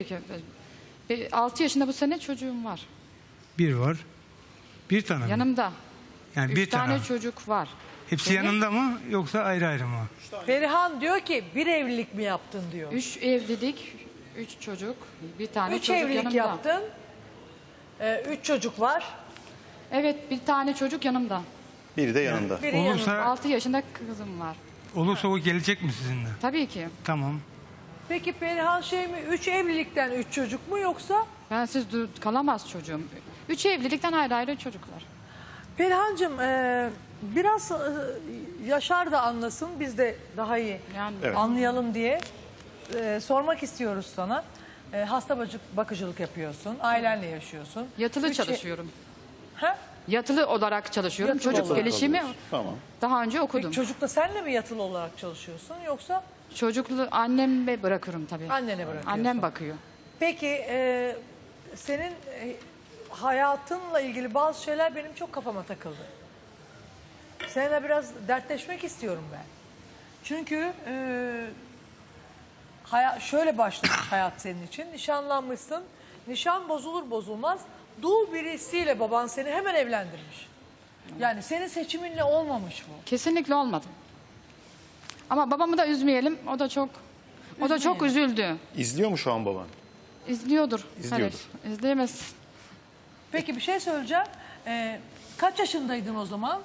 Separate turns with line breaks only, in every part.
6 yaşında bu sene çocuğum var.
Bir var. Bir tane mi?
Yanımda.
Yani
3
bir tane.
tane çocuk var.
Hepsi
Benim
yanında mı yoksa ayrı ayrı mı?
Perihan diyor ki bir evlilik mi yaptın diyor.
3 evlilik, 3 çocuk, bir tane
3
çocuk
evlilik
yanımda.
yaptın. 3 çocuk var.
Evet, bir tane çocuk yanımda.
Biri de yanında.
Biri
Olursa-
yanında.
6 yaşında kızım var.
Olursa o gelecek mi sizinle?
Tabii ki.
Tamam.
Peki Perihan şey mi? 3 evlilikten 3 çocuk mu yoksa?
Bensiz kalamaz çocuğum. 3 evlilikten ayrı ayrı çocuklar.
Perihan'cığım biraz Yaşar da anlasın, biz de daha iyi
Yani
Evet.
anlayalım diye sormak istiyoruz sana. Hasta bakıcılık yapıyorsun, ailenle yaşıyorsun.
yatılı
Üç-
çalışıyorum.
Ha?
Yatılı olarak çalışıyorum.
Yatılı
Çocuk
olarak
gelişimi
Tamam.
daha önce okudum.
Peki çocukla senle mi yatılı olarak çalışıyorsun yoksa
Çocuklu anneme bırakırım tabii.
annene bırakıyorsun?
Annem bakıyor.
Peki senin hayatınla ilgili bazı şeyler benim çok kafama takıldı. Seninle biraz dertleşmek istiyorum ben. Çünkü şöyle başlamış hayat senin için. Nişanlanmışsın. Nişan bozulur bozulmaz. Dul birisiyle baban seni hemen evlendirmiş. Yani senin seçiminle olmamış bu.
Kesinlikle olmadı. Ama babamı da üzmeyelim. O da çok üzüldü.
İzliyor mu şu an baban?
İzliyordur.
İzliyordur.
Hayır, izleyemez.
Peki bir şey söyleyeceğim. Kaç yaşındaydın o zaman?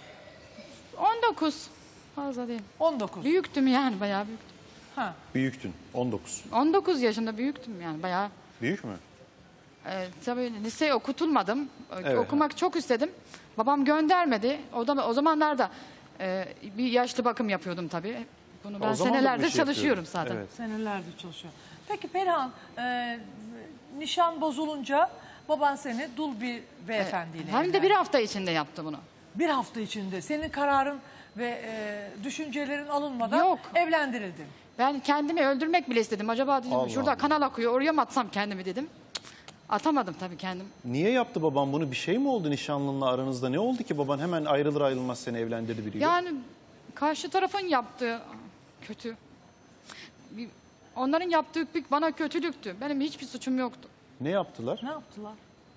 19. Fazla değil.
19.
Büyüktüm yani, bayağı büyüktüm.
Ha.
Büyüktün. 19.
19 yaşında büyüktüm yani, bayağı.
Büyük mü?
Tabii liseye okutulmadım.
Evet.
Okumak çok istedim. Babam göndermedi. O zamanlarda bir yaşlı bakım yapıyordum tabii. Bunu ben
O zaman da bu
senelerdir
işi
çalışıyorum
yapıyordun.
zaten.
Evet.
Senelerdir çalışıyor. Peki Perihan, nişan bozulunca baban seni dul bir beyefendiyle
Hem de
evlendirdi.
bir hafta içinde yaptı bunu.
Bir hafta içinde senin kararın ve düşüncelerin alınmadan
Yok.
evlendirildin.
Ben kendimi öldürmek bile istedim. Acaba dedim
Allah
şurada
Allah.
kanal akıyor, oraya mı atsam kendimi dedim. Cık, atamadım tabii kendim.
Niye yaptı baban bunu? Bir şey mi oldu nişanlınla aranızda? Ne oldu ki baban hemen ayrılır ayrılmaz seni evlendirdi biriyle?
Yani karşı tarafın yaptığı kötü. Onların yaptığı bana kötülüktü. Benim hiçbir suçum yoktu.
Ne yaptılar?
Ne yaptılar?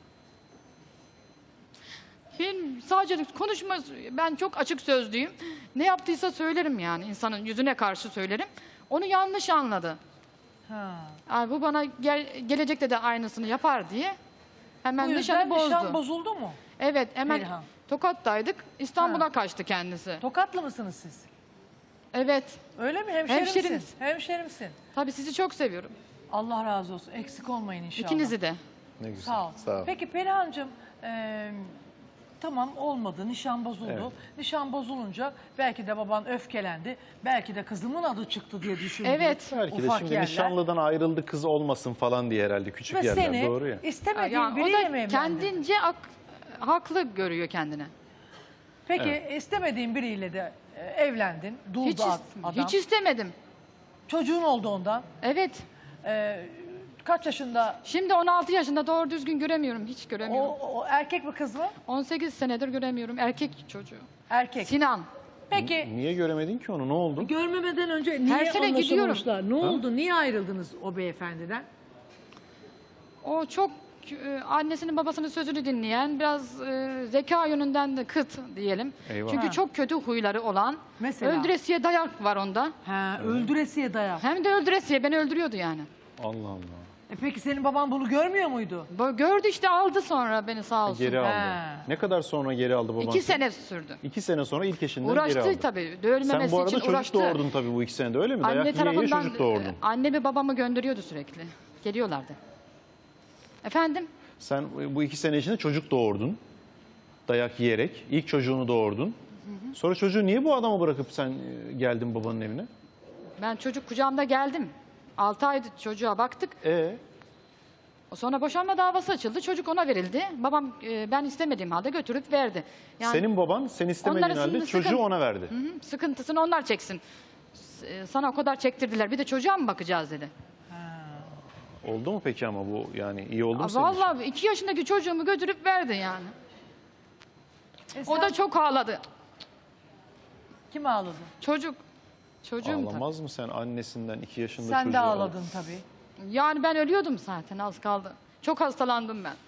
Benim sadece konuşma, ben çok açık sözlüyüm. Ne yaptıysa söylerim yani, insanın yüzüne karşı söylerim. Onu yanlış anladı.
Ha.
Yani bu bana gelecekte de aynısını yapar diye hemen
Bu
nişanı
yüzden
bozdu.
nişan bozuldu mu?
Evet, hemen
Perihan.
Tokat'taydık. İstanbul'a kaçtı kendisi.
Tokatlı mısınız siz?
Evet.
Öyle mi? Hemşerimsin.
Hemşerimiz.
Hemşerimsin.
Tabii sizi çok seviyorum.
Allah razı olsun. Eksik olmayın inşallah.
İkinizi de.
Ne güzel.
Sağ ol.
Sağ ol.
Peki Perihan'cığım tamam olmadı, nişan bozuldu.
Evet.
Nişan bozulunca belki de baban öfkelendi. Belki de kızımın adı çıktı diye düşündü.
Evet.
Belki de
Ufak
şimdi
yerler.
nişanlıdan ayrıldı kız olmasın falan diye herhalde küçük
Ve
yerler
seni
doğru ya.
istemediğin
Yani o
biriyle
da
mi evlendi?
kendince haklı görüyor kendine.
Peki istemediğin biriyle de evlendin. Dul
Hiç,
da adam.
hiç istemedim.
Çocuğun oldu ondan.
Evet.
Kaç yaşında?
Şimdi 16 yaşında, doğru düzgün göremiyorum. Hiç göremiyorum.
O erkek mi kız mı?
18 senedir göremiyorum. Erkek çocuğu.
Erkek.
Sinan.
Peki
Niye göremedin ki onu? Ne oldu?
görmemeden önce niye
Her sene gidiyorum.
anlaşamamışlar? Ne oldu? Niye ayrıldınız o beyefendiden?
O çok annesinin babasının sözünü dinleyen, biraz zeka yönünden de kıt diyelim.
Eyvah.
Çünkü
Ha.
çok kötü huyları olan.
Mesela?
Öldüresiye dayak var onda.
Ha, öldüresiye dayak.
Hem de öldüresiye beni öldürüyordu yani.
Allah Allah.
Peki senin baban bunu görmüyor muydu?
Gördü işte, aldı sonra beni, sağ olsun.
Geri aldı.
Ha.
Ne kadar sonra geri aldı baban?
2
seni?
sene sürdü.
2 sene sonra ilk eşinden geri aldı.
Uğraştı tabii. Dövülmemesi
Sen bu arada
için
çocuk
uğraştı.
doğurdun tabii bu 2 senede öyle mi? Dayak
Anne
yiye yiye
tarafından
çocuk doğurdun.
annemi babamı gönderiyordu sürekli. Geliyorlardı. Efendim?
Sen bu 2 sene içinde çocuk doğurdun. Dayak yiyerek. İlk çocuğunu doğurdun. Sonra çocuğu niye bu adama bırakıp sen geldin babanın evine?
Ben çocuk kucağımda geldim. 6 ay çocuğa baktık. Sonra boşanma davası açıldı. Çocuk ona verildi. Babam ben istemediğim halde götürüp verdi. Yani
Senin baban sen istemediğin
onların
halde çocuğu
sıkın-
ona verdi.
sıkıntısını onlar çeksin. Sana o kadar çektirdiler. Bir de çocuğa mı bakacağız dedi.
Oldu mu peki ama bu yani iyi oldu mu senin için?
Vallahi 2 yaşındaki çocuğumu götürüp verdi yani. O da çok ağladı.
Kim ağladı?
Çocuğum tabii.
Ağlamaz mı sen annesinden 2 yaşında
Sen
çocuğu
de
al-
ağladın tabii.
Yani ben ölüyordum zaten, az kaldı. Çok hastalandım ben.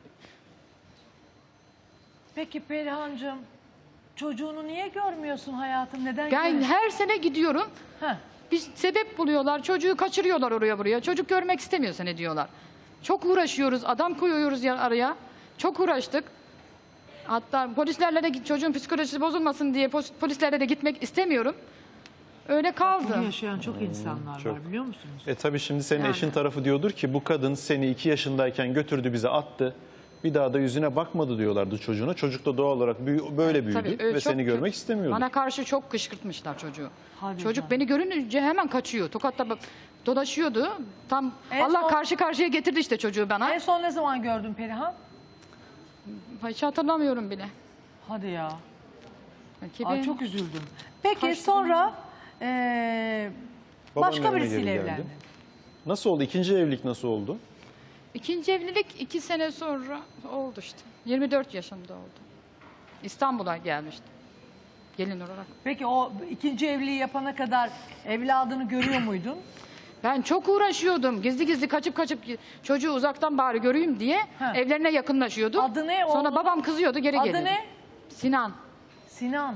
Peki Perihan'cığım, çocuğunu niye görmüyorsun hayatım? Neden
Ben
görmüyorsun?
her sene gidiyorum.
Heh.
Bir sebep buluyorlar. Çocuğu kaçırıyorlar oraya buraya. Çocuk görmek istemiyor seni diyorlar. Çok uğraşıyoruz. Adam koyuyoruz araya. Çok uğraştık. Hatta polislerle de çocuğun psikolojisi bozulmasın diye polislerle de gitmek istemiyorum. Öyle kaldı.
Bunu yaşayan çok insanlar
çok.
var, biliyor musunuz?
Tabii şimdi senin
Yani.
eşin tarafı diyordur ki bu kadın seni 2 yaşındayken götürdü bize attı. Bir daha da yüzüne bakmadı diyorlardı çocuğuna. Çocuk da doğal olarak böyle büyüdü
Tabii, öyle
ve
çok
seni görmek istemiyordu.
Bana karşı çok kışkırtmışlar çocuğu.
Hadi
Çocuk
canım.
beni görünce hemen kaçıyor. Tokat'ta dolaşıyordu. Tam
En
Allah
son-
karşı karşıya getirdi işte çocuğu bana.
En son ne zaman gördün Perihan?
Hiç hatırlamıyorum bile.
Hadi ya.
Belki
Ay,
ben-
çok üzüldüm. Peki
Kaç
sonra
Babanın
başka
yanına
birisiyle
geri geldi.
evlendin.
Nasıl oldu? İkinci evlilik nasıl oldu?
İkinci evlilik 2 sene sonra oldu işte. 24 yaşında oldu. İstanbul'a gelmiştim. Gelin olarak.
Peki o ikinci evliliği yapana kadar evladını görüyor muydun?
Ben çok uğraşıyordum. Gizli gizli kaçıp çocuğu uzaktan bari göreyim diye
Ha.
evlerine yakınlaşıyordum.
Adı ne
Sonra
oğlunun?
babam kızıyordu, geri
Adı
geliyordu.
ne?
Sinan.
Sinan.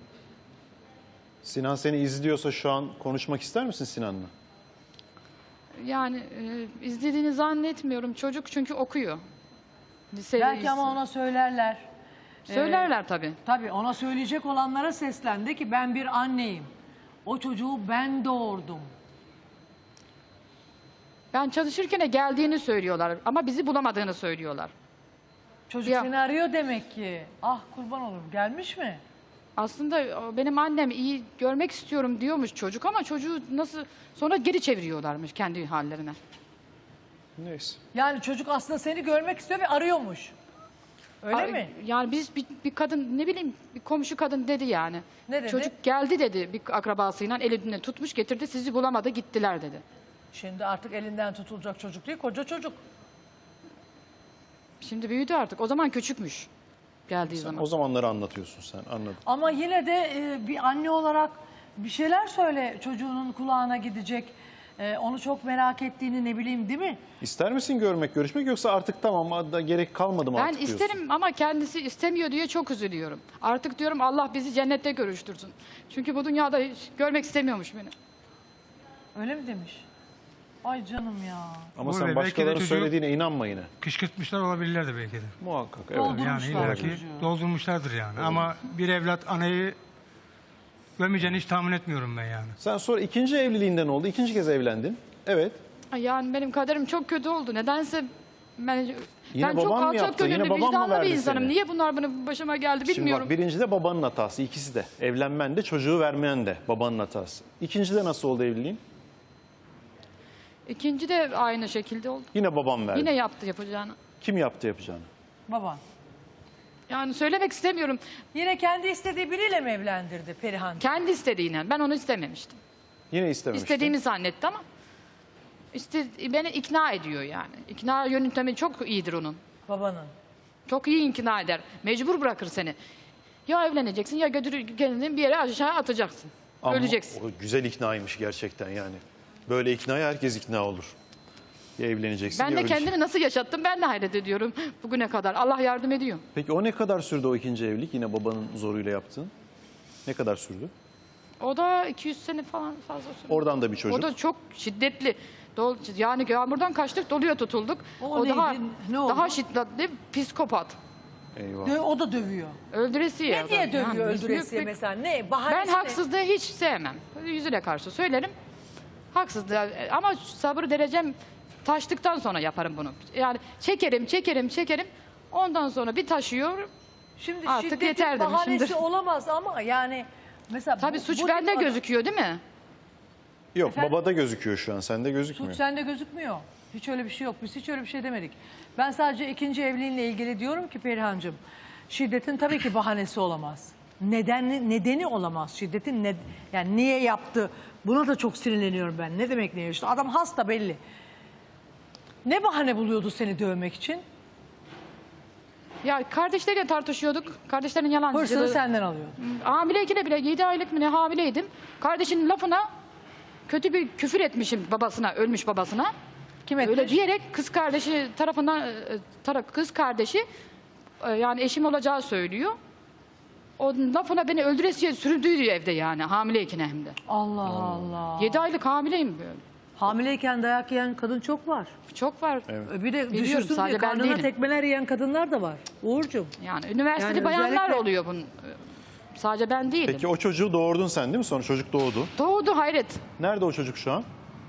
Sinan seni izliyorsa şu an konuşmak ister misin Sinan'la?
Yani izlediğini zannetmiyorum. Çocuk çünkü okuyor. Lisede
Belki ama ona söylerler.
söylerler tabii.
Tabii ona söyleyecek olanlara seslendi ki ben bir anneyim. O çocuğu ben doğurdum.
Ben çalışırken de geldiğini söylüyorlar ama bizi bulamadığını söylüyorlar.
Çocuk
Ya.
seni arıyor demek ki. Ah kurban olurum. Gelmiş mi?
Aslında benim annem iyi görmek istiyorum diyormuş çocuk ama çocuğu nasıl sonra geri çeviriyorlarmış kendi hallerine.
Neyse.
Yani çocuk aslında seni görmek istiyor ve arıyormuş. Öyle
Ay,
mi?
Yani biz bir kadın ne bileyim bir komşu kadın dedi yani.
Ne dedi?
Çocuk geldi dedi bir akrabasıyla elinden tutmuş getirdi sizi bulamadı gittiler dedi.
Şimdi artık elinden tutulacak çocuk değil, koca çocuk.
Şimdi büyüdü artık o zaman küçükmüş geldiği zaman.
O zamanları anlatıyorsun sen, anladım.
Ama yine de bir anne olarak bir şeyler söyle çocuğunun kulağına gidecek. Onu çok merak ettiğini ne bileyim değil mi?
İster misin görüşmek yoksa artık tamam da gerek kalmadı mı
Ben
artık diyorsun?
isterim ama kendisi istemiyor diye çok üzülüyorum. Artık diyorum Allah bizi cennette görüştürsün. Çünkü bu dünyada hiç görmek istemiyormuş beni.
Öyle mi demiş? Ay canım ya.
Ama
Uğur
sen
Bey, belki de
başkalarının
çocuğu-
söylediğine inanma yine.
Kışkırtmışlar olabilirlerdi belki de.
Muhakkak evet.
Doldu.
Yani
Doldurmuşlar
illaki
çocuğu.
doldurmuşlardır yani. Ama bir evlat anayı gömeceğini hiç tahmin etmiyorum ben yani.
Sen sonra ikinci evliliğinden oldu. İkinci kez evlendin. Evet.
Yani benim kaderim çok kötü oldu. Nedense ben çok
baban mı
alçak
yaptı? Yine
gönüllü,
baban mı
vicdanlı bir
verdi
insanım.
seni?
Niye bunlar benim başıma geldi
Şimdi
bilmiyorum.
bak birinci de babanın hatası. İkisi de. Evlenmen de çocuğu vermeyen de babanın hatası. İkinci de nasıl oldu evliliğin?
İkinci de aynı şekilde oldu.
Yine babam verdi.
Yine yaptı yapacağını.
Kim yaptı yapacağını?
Baban.
Yani söylemek istemiyorum.
Yine kendi istediği biriyle mi evlendirdi Perihan?
Kendi istediğiyle. Ben onu istememiştim.
Yine istememişti.
İstediğimi zannetti ama beni ikna ediyor yani. İkna yöntemi çok iyidir onun.
Babanın.
Çok iyi ikna eder. Mecbur bırakır seni. Ya evleneceksin ya götürür kendini bir yere aşağı atacaksın.
Ama
Öleceksin.
o güzel iknaymış gerçekten yani. Böyle iknaya herkes ikna olur. Ya evleneceksin
Ben
ya
de
öleceksin.
kendimi nasıl yaşattım ben de hayret ediyorum bugüne kadar. Allah yardım ediyor.
Peki o ne kadar sürdü o ikinci evlilik? Yine babanın zoruyla yaptığın. Ne kadar sürdü?
O da 200 sene falan fazla sürdü.
Oradan da bir çocuk.
O da çok şiddetli. Yani yağmurdan kaçtık doluya tutulduk.
O neydi? Ne oldu?
daha şiddetli psikopat.
Eyvah.
O da dövüyor.
Öldüresiye.
Ne diye
adam.
dövüyor
Yani
öldüresiye
büyük bir-
mesela? Ne?
Ben
Bahanesi ne?
haksızlığı hiç sevmem. Yüzüne karşı söylerim. Haksızlığı ama sabır derecem taştıktan sonra yaparım bunu. Yani çekerim. Ondan sonra bir taşıyor.
Şimdi
Artık
şiddetin
yeter
bahanesi
demişimdir.
olamaz ama yani mesela
Tabii suç
bu
bende
tip adam-
gözüküyor değil mi?
Yok
Efendim?
babada gözüküyor şu an. Sende gözükmüyor.
Suç sende gözükmüyor. Hiç öyle bir şey yok. Biz hiç öyle bir şey demedik. Ben sadece ikinci evliliğinle ilgili diyorum ki Perihan'cığım, şiddetin tabii ki bahanesi olamaz. Nedeni olamaz. Şiddetin yani niye yaptı? Buna da çok sinirleniyorum ben. Ne demek niye? İşte adam hasta belli. Ne bahane buluyordu seni dövmek için?
Ya kardeşleriyle tartışıyorduk. Kardeşlerin
Hırsını
yalancılığı.
senden alıyor.
Hamileyken bile 7 aylık mı ne hamileydim. Kardeşinin lafına kötü bir küfür etmişim babasına, ölmüş babasına.
Kim etmiş?
Öyle diyerek kız kardeşi tarafından kız kardeşi yani eşim olacağı söylüyor. O lafına beni öldüresiye süründüydü evde yani hamileyken hem de.
Allah Allah.
7 aylık hamileyim böyle.
Hamileyken dayak yiyen kadın çok var.
Çok var.
Bir de
Biliyorum,
düşürsün diye
sadece ben
karnına
değilim.
tekmeler yiyen kadınlar da var. Uğurcuğum.
Yani üniversiteli
Yani
bayanlar
özellikle-
oluyor bunun. Sadece ben değilim.
Peki o çocuğu doğurdun sen değil mi? Sonra çocuk doğdu.
Doğdu hayret.
Nerede o çocuk şu an?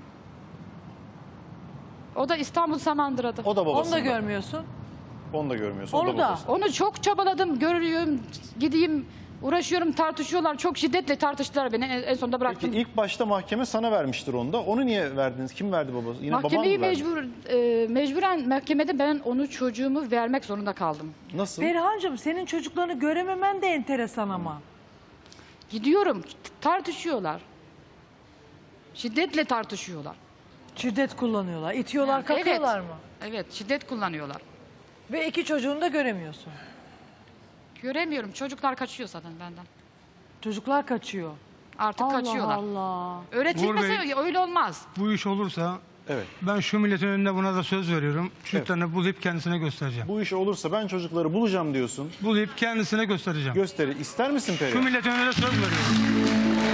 O da İstanbul Samandıra'da.
O da
Onu
babasında.
da görmüyorsun.
Onu da görmüyorsun.
Onu
o da
da.
babasında.
Onu çok çabaladım, görüyorum, gideyim, uğraşıyorum, tartışıyorlar. Çok şiddetle tartıştılar beni. En sonunda bıraktım.
Peki ilk başta mahkeme sana vermiştir onu da. Onu niye verdiniz? Kim verdi babası? Yine
Mahkemeyi
baban mı verdi?
mecburen mahkemede ben onu çocuğumu vermek zorunda kaldım.
Nasıl?
Perihan'cığım senin çocuklarını görememen de enteresan ama.
Gidiyorum, tartışıyorlar. Şiddetle tartışıyorlar.
Şiddet kullanıyorlar. İtiyorlar,
Yani
kakıyorlar
evet.
mı?
Evet, şiddet kullanıyorlar.
Ve iki çocuğunu da göremiyorsun.
Göremiyorum, çocuklar kaçıyor zaten benden.
Çocuklar kaçıyor.
Artık kaçıyorlar.
Allah.
Öğretilmese
Uğur
öyle olmaz.
Bu iş olursa
Evet.
ben şu milletin önünde buna da söz veriyorum. Çocuklarını bulayıp kendisine göstereceğim.
Bu iş olursa ben çocukları bulacağım diyorsun.
Bulayıp kendisine göstereceğim.
Gösteri. İster misin
Şu
Perihan?
milletin önünde söz veriyorum.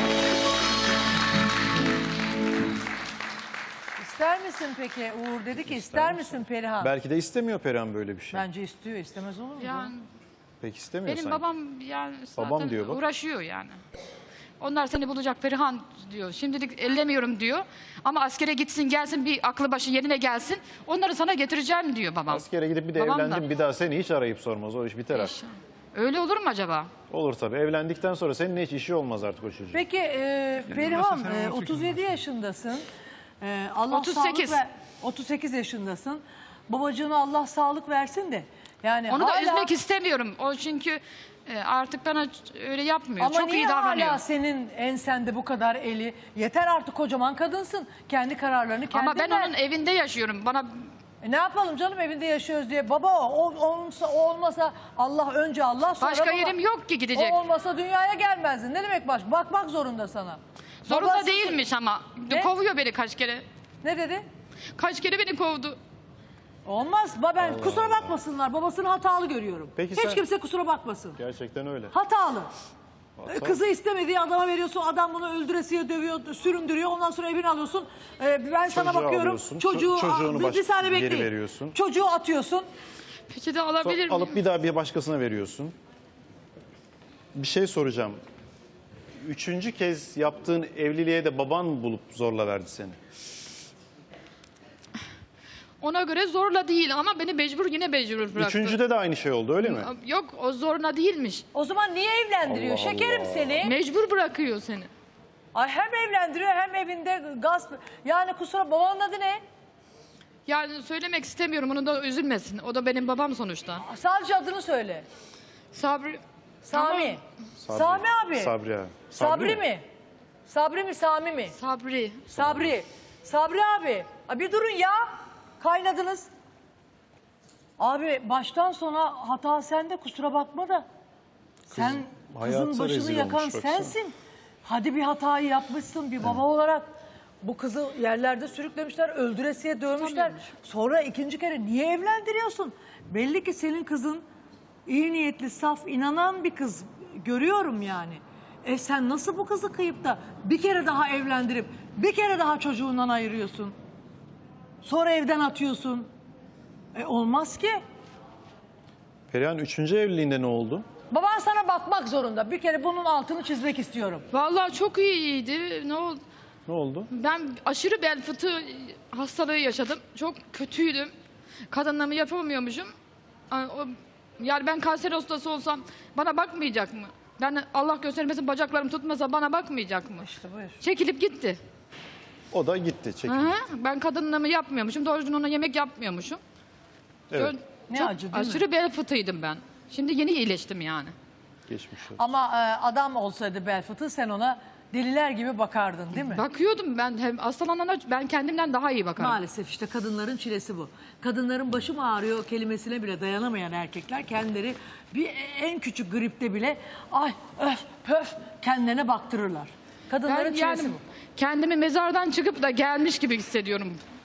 İster misin peki? Uğur dedi ki ister misin Perihan?
Belki de istemiyor Perihan böyle bir şey.
Bence istiyor. İstemez olur mu?
Yani
Pek istemiyor
benim
sanki.
babam yani
Babam
zaten
diyor bak.
uğraşıyor yani. Onlar seni bulacak Perihan diyor. Şimdilik ellemiyorum diyor. Ama askere gitsin gelsin bir aklı başı yerine gelsin. Onları sana getireceğim diyor babam.
Askere gidip bir de
Babam da.
evlendim bir daha seni hiç arayıp sormaz. O iş biter artık.
İnşallah. Öyle olur mu acaba?
Olur tabii. Evlendikten sonra senin hiç işi olmaz artık o çocuğun.
Peki Perihan
mesela sen
37 yaşındasın. Allah
38.
sağlık 38 yaşındasın. Babacığına Allah sağlık versin de. Yani
Onu da
hala,
üzmek istemiyorum. O çünkü artık bana öyle yapmıyor.
ama
Çok
niye
iyi davranıyor.
hala senin ensende bu kadar eli? Yeter artık kocaman kadınsın. Kendi kararlarını kendin
Ama ben
ver.
onun evinde yaşıyorum. Bana
Ne yapalım canım evinde yaşıyoruz diye. Baba o olmasa Allah önce Allah sonra
başka
baba.
yerim yok ki gidecek.
O olmasa dünyaya gelmezdin. Ne demek bakmak zorunda sana.
Zorunda
Babası-
değilmiş ama.
Ne?
Kovuyor beni kaç kere.
Ne dedi?
Kaç kere beni kovdu.
Olmaz. Ben kusura bakmasınlar. Babasını hatalı görüyorum.
Peki
Hiç
sen-
kimse kusura bakmasın.
Gerçekten öyle.
Hatalı. Kızı istemediği adama veriyorsun. Adam bunu öldüresiye dövüyor, süründürüyor. Ondan sonra evini alıyorsun. Ben sana
Çocuğu
bakıyorum.
alıyorsun,
Çocuğu
çocuğunu
bir saniye
geri
bekleyin.
veriyorsun.
Çocuğu atıyorsun.
Peki de alabilir miyim?
Alıp bir daha bir başkasına veriyorsun. Bir şey soracağım. Üçüncü kez yaptığın evliliğe de baban mı bulup zorla verdi seni?
Ona göre zorla değil ama beni yine mecbur bıraktı.
Üçüncüde de aynı şey oldu öyle mi?
Yok o zorla değilmiş.
O zaman niye evlendiriyor?
Allah
Şekerim
Allah.
seni.
Mecbur bırakıyor seni.
Ay hem evlendiriyor hem evinde gasp. Yani kusura babanın adı ne?
Yani söylemek istemiyorum onu da üzülmesin. O da benim babam sonuçta.
Sadece adını söyle.
Sabri.
Sami.
Sabri.
Sami abi.
Sabri abi.
Sabri mi? Sabri mi Sami mi?
Sabri.
Sabri. Sabri abi. Bir durun ya. Kaynadınız. Abi baştan sona hata sende kusura bakma da. Sen
hayata
kızın başını
rezil
yakan
olmuş, baksana.
sensin. Hadi bir hatayı yapmışsın bir baba olarak. Bu kızı yerlerde sürüklemişler, öldüresiye dövmüşler. Sonra ikinci kere niye evlendiriyorsun? Belli ki senin kızın iyi niyetli, saf, inanan bir kız. Görüyorum yani. Sen nasıl bu kızı kıyıp da bir kere daha evlendirip bir kere daha çocuğundan ayırıyorsun? Sonra evden atıyorsun. Olmaz ki.
Perihan üçüncü evliliğinde ne oldu?
Baban sana bakmak zorunda. Bir kere bunun altını çizmek istiyorum.
Vallahi çok iyiydi. Ne oldu?
Ne oldu?
Ben aşırı bel fıtığı hastalığı yaşadım. Çok kötüydüm. Kadınlığımı yapamıyormuşum. Yani ben kanser hastası olsam bana bakmayacak mı? Ben Allah göstermesin bacaklarım tutmasa bana bakmayacak mı?
İşte buyur.
Çekilip gitti.
O da gitti çekildi.
Hı hı. Ben kadınlığımı yapmıyormuşum. Doğru düzgün ona yemek yapmıyormuşum.
Evet.
Ne
Çok
acı değil mi?
aşırı bel fıtığıydım ben. Şimdi yeni iyileştim yani.
Geçmiş olsun.
Ama adam olsaydı bel fıtığı sen ona deliler gibi bakardın değil mi?
Bakıyordum ben hem hastalanana ben kendimden daha iyi bakarım.
Maalesef işte kadınların çilesi bu. Kadınların başım ağrıyor kelimesine bile dayanamayan erkekler kendileri en küçük gripte bile ay öf pöf kendilerine baktırırlar. Kadınların
Ben
çilesi
yani
bu.
kendimi mezardan çıkıp da gelmiş gibi hissediyorum.